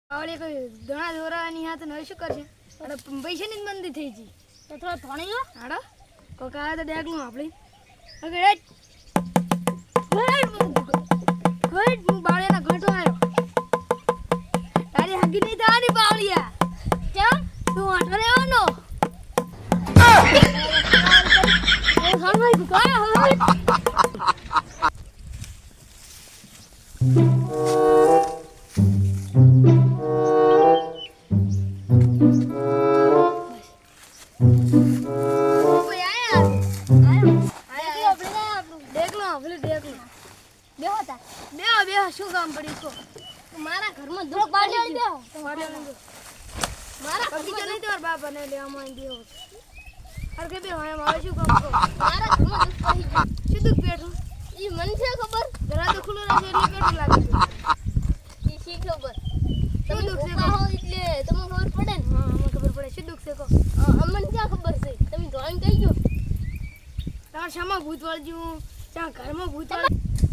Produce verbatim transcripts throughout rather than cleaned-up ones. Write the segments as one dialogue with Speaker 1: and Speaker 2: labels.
Speaker 1: આવડે કોઈ ઘણા દોરાની હાથ ન શું કરશે અરે પૈસાની જ મંદી થઈ ગઈ તો થોડો થોણી ગયો હાડો કોક આવે તો ડેગલું આપણી ઓકે રાઈટ ગુડ હું બાળેના ઘટો આવ્યો તારી હગી નહીં થવાની બાવળિયા કેમ તું આઠો રહેવાનો શું કામ પડ્યું છો મારા ઘરમાં દુખ પાડી દો મારા બગીચો નહીં તમારા બાપા ને લેવામાં આવી દેવો અરે કે બે હોય આવે શું કામ કરો મારા ઘરમાં દુખ પડી ગયું શું દુખ પેટું ઈ મને છે ખબર જરા તો ખુલ્લું રહેશે એટલે પેટું લાગે ઈ શી ખબર તમે દુખ છે કહો એટલે તમને ખબર પડે ને હા અમને ખબર પડે શું દુખ છે કહો અમને ક્યાં ખબર છે તમે ડ્રોઈંગ કહી ગયો તાર શામાં ભૂત વાળજ્યું ત્યાં ઘરમાં ભૂત વાળ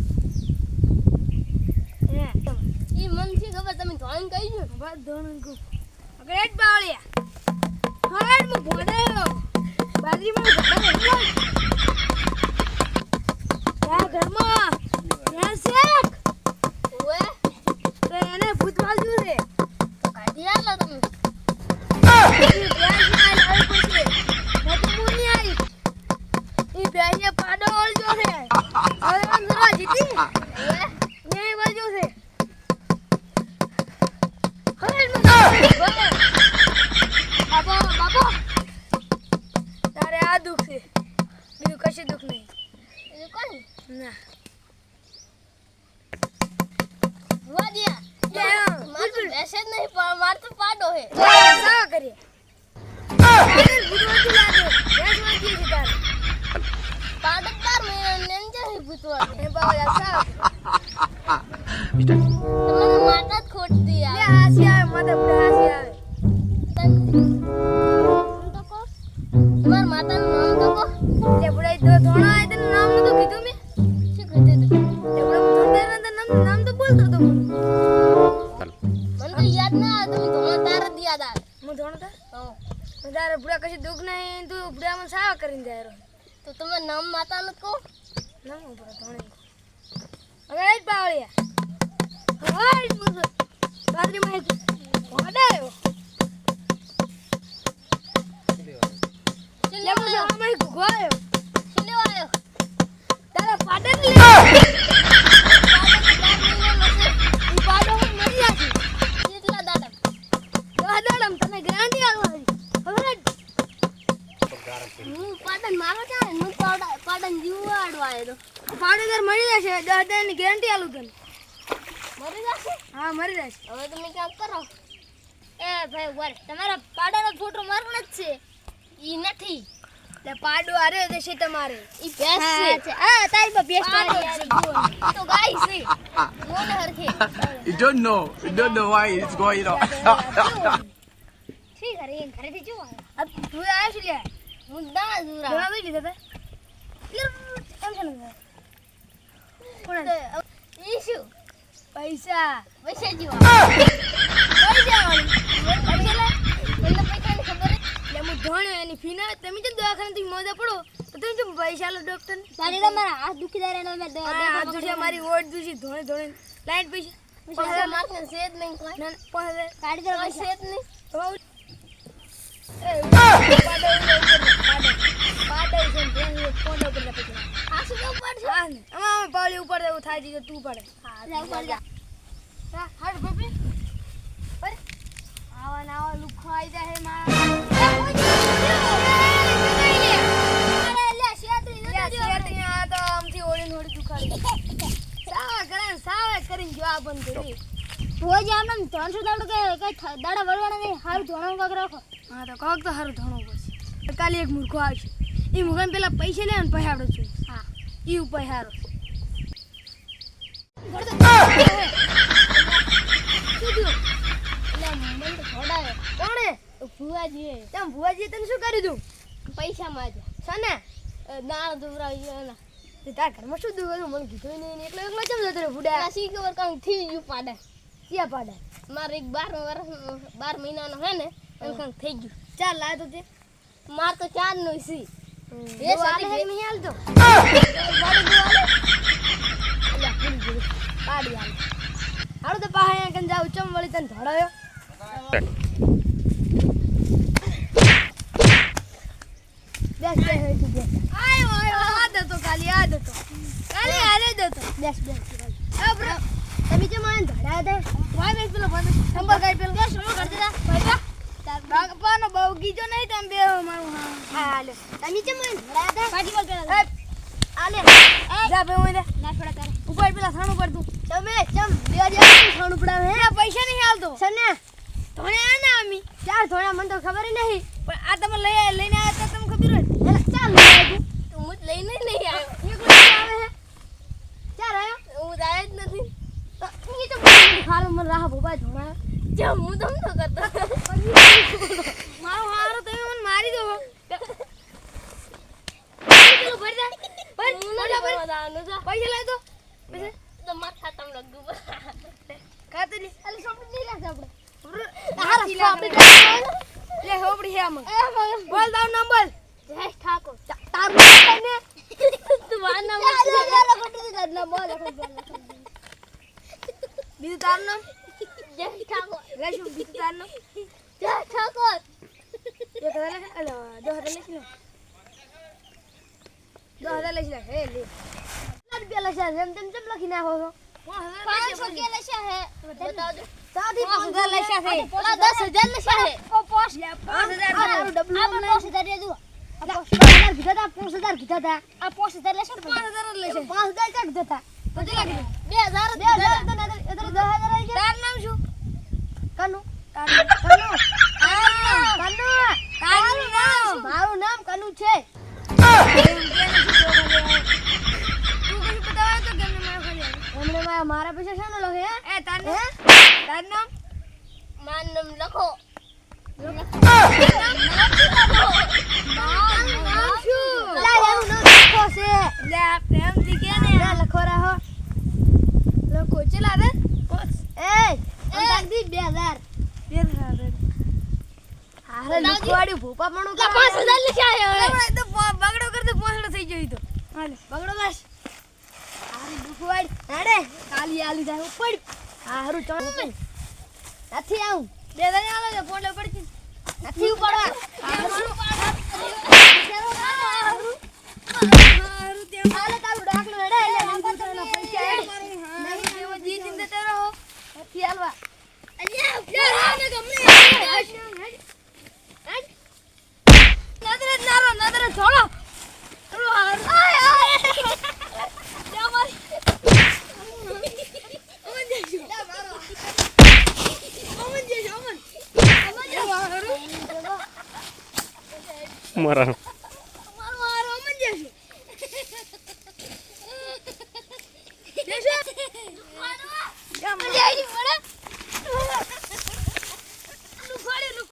Speaker 1: ઈ મન થી ખબર તમે ધોણ કહી જો બસ ધોણ કો અગરેટ બાવળિયા હરડ મુ ભોડાયો બાજરી માં ભોડાયો યા ઘરમાં યા શેક ઓએ તો એને ભૂત વાળ્યું છે તો કાઢી આલો તમે ઈ પ્યાસ ના લાવ પડશે નથી મુની આવી ઈ પ્યાસે પાડો ઓળજો છે હવે અંદરા જીતી ઓએ ને વાળ્યો છે બાબા બાબા તારે આ દુખ છે બીજું કશું દુખ નહીં બીજું કોણ ના વાડિયા મારું બેસે જ નહીં પણ માર તો પાડો હે સા કરીએ ભૂતવાડી લાગે બેસ વાગી છે તાર પાડો તાર મે નેંજે હે ભૂતવાડી એ બાબા સા તમને માતા જ ખોટ દી આ લે હાસી આવે માતા બડા હાસી આવે તો કો તમાર માતાનું નામ તો કો લે બડાઈ તો ધોણા આય તને નામ નતો કીધું મે શું કીધું લે બડા ધોણા ના નામ નામ તો બોલતો તો મને તો યાદ ના આવે તમે ધોણા તાર જ યાદ આવે હું ધોણા તાર હા તારે બડા કશું દુખ નહીં તું બડા મને સાવા કરીને જાય તો તમે નામ માતાનું કો નામ ઉપર ધોણે હવે જ બાવળિયા હાય મુઝ બાદરી માં ઓડાયો લે મુઝ અમે ગોયો ચલે આયો તારા પાડે લે ઈ પાડો મરી જાશે કેટલા દાડા દાડામ તને ગાંડી આલવાની હવે હું પાડન મારો ચાલે હું પાડા પાડન જીવાડવા આયો તો પાડેદાર મરી જશે દાદાની ગેરંટી આલું તને મરી જશે હા મરી જશે હવે તમે કામ કરો એ ભાઈ વર તમારા પાડાનો ફોટો મારવાનો જ છે ઈ નથી લે પાડો આરે દેશે તમારે ઈ ભેંસ છે આ તારી બા ભેંસ તારી તો ગાય છે મોને હરખે
Speaker 2: You don't know you don't know why it's going on
Speaker 1: ઠીક અરે ઘરે થી જો આ તું આય છે લે હું દા દુરા દુરા લઈ લીધા તા એમ છે ને કોણ ઈ શું પૈસા પૈસા જીવા પૈસા વાળી પૈસા મને પૈસા ની ખબર લે હું ધોણ્યો એની ફી ના તમે જ દવાખાને થી મોજા પડો તો તમે જો પૈસા લો ડોક્ટર તારી તમારા હાથ દુખીદાર એનો મે હાથ દુખી મારી ઓટ દુખી ધોણે ધોણે લાઈટ પૈસા પૈસા માર ને સેજ નહીં કોઈ ના પૈસા કાઢી દે પૈસા સેજ નહીં તો એ પાડો પાડો પાડો છે ને કોડો પર પૈસા આ શું ઉપર છે હા ને અમાર પાવલી ઉપર દેવું થાય છે તું પડે હા જા ઉપર જા હા હાડ ગોપી અરે આવા નાવા લુખો આઈ જાય હે માં અરે લે શેતરી લે શેતરી આ તો આમથી ઓળી નોડી દુખાડી સાવા કરે સાવા કરીને જો આ બંધ કરી રોજ આમ ત્રણસો દાડો કે કઈ દાડા વળવાના નહીં હારું ધોણો કાક રાખો હા તો કાક તો હારું ધોણો પડશે કાલે એક મૂર્ખો આવશે ઈ મુગન પેલા પૈસા લે ને પહાડો છું હા ઈ ઉપાય હારો કોણે ભુવાજી તેમ ભુવાજી તને શું કરી દઉં પૈસા માં છે ને દાળ દુરાઈ એના તે તાર ઘરમાં શું દુખ હતું મને કીધું નહીં એકલો એકલો કેમ જતો રે બુડા શી ખબર કાંઈ થઈ ગયું પાડા ક્યાં પાડા મારે એક બાર વર્ષ બાર મહિનાનો હે ને એમ કંઈક થઈ ગયું. ચાર લાય તો તે માર તો ચાર નો સી એ સાલે હે નહીં હાલતો પાડી દો હાલે અલ્યા ભૂલી ગયો પાડી હાલ હાલો તો પાહે કન જાવ ચમ વળી તને ધડાયો બેસ બેસ હે તું બેસ આયો આયો આ દે તો ખાલી આ દે તો ખાલી હાલે દે તો બેસ બેસ આ બ્રો તમે જે મને ધડાયા દે વાય બેસ પેલો ભાઈ નંબર કાઈ પેલો બેસ શું કરતી તા ભાઈ બાગપાનો બહુ ગીજો નહીં તમે બે મારું હા હા હાલે તમે જે મને ધડાયા દે પાટી બોલ પેલા આલે જા બે ઓય દે ના છોડા કરે ઉપર પેલા થાણું પર તું તમે ચમ બે હજાર થાણું પડાવે હે પૈસા નહીં હાલતો સને ધોણ્યા ના અમી ચાર ધોણ્યા મને તો ખબર નહીં પણ આ તમે લઈ લઈને આવ્યા તો તમને ખબર હોય ચાલ લઈ આવ્યો તું મુજ લઈને નહીં આવ્યો એક રૂપિયા આવે હે ચાર આવ્યો હું આયા જ નથી તો ઈ તો ખાલો મને રાહ ભોબા ધોણા જમ હું તમ તો કરતો મારો હારો તમે મને મારી દો પેલો ભરી દે પણ મોટા પર પૈસા લઈ દો પૈસા તો માથા તમ લગુ ખાતે લે અલે સોપડી નહીં રાખતા આપણે હારા સોપડી લે હોપડી હે આમ બોલ દાવ નંબર જય ઠાકોર તાર ને તું વા નંબર લે કોટી દે ના બોલ બીજું તાર નામ જય ઠાકોર લેશું બીજું તાર નામ જય ઠાકોર એ તો લે અલે દો હજાર લેશ ને દો હજાર લેશ લે હે લે લડ બે લેશ એમ તેમ તેમ લખી નાખો છો પાંચસો કે લેશ હે બતાવજો સાદી પાંચ હજાર લેશ હે ઓલા દસ હજાર લેશ હે ઓ પોસ પાંચ હજાર તારું ડબલું આ પાંચ હજાર દે દો આ પાંચ હજાર કીધા તા પાંચ હજાર કીધા તા આ પાંચ હજાર લેશ પાંચ હજાર લેશ પાંચ હજાર કાઢ દેતા કેટલા લાગે બે હજાર બે હજાર તો નદર એતરે દસ હજાર આવી ગયા તાર નામ શું કનુ કનુ કનુ કનુ કનુ નામ મારું નામ કનુ છે તું કઈ બતાવે તો કેમને મારા ખાલી એમને મારા પૈસા શાનો લખે એ તાર નામ તાર નામ માર નામ લખો નામ શું લા એનું નામ લખો છે લે આ પ્રેમ દીકે ને લે લખો રહો લખો ચલા દે એ અંદાજ દી બે હજાર બે હજાર હારે લખવાડી ભૂપા પણ કા પાંચ હજાર લખ્યા હે હવે તો બગડો કરતે પાંચડો થઈ ગયો તો હાલે બગડો બસ હારે લખવાડી હાડે કાલી આલી જાય પડ હારું ચણ નથી આવું બે હજાર આલો છે ફોટો પડતી નથી ઉપાડવા હારું હારું તેમ હાલે તારું ડાકલો હેડે એટલે મંદિરના પૈસા હેડ નહીં દેવો જી ચિંતા તે રહો નથી આલવા અલ્યા યાર આને ગમને હેડ હેડ નદરે નારો નદરે છોડો ચલો હાર આય આય જા મારી ઓમન જેજો જા મારો ઓમન જેજો ઓમન ઓમન જેજો હારું
Speaker 3: મારા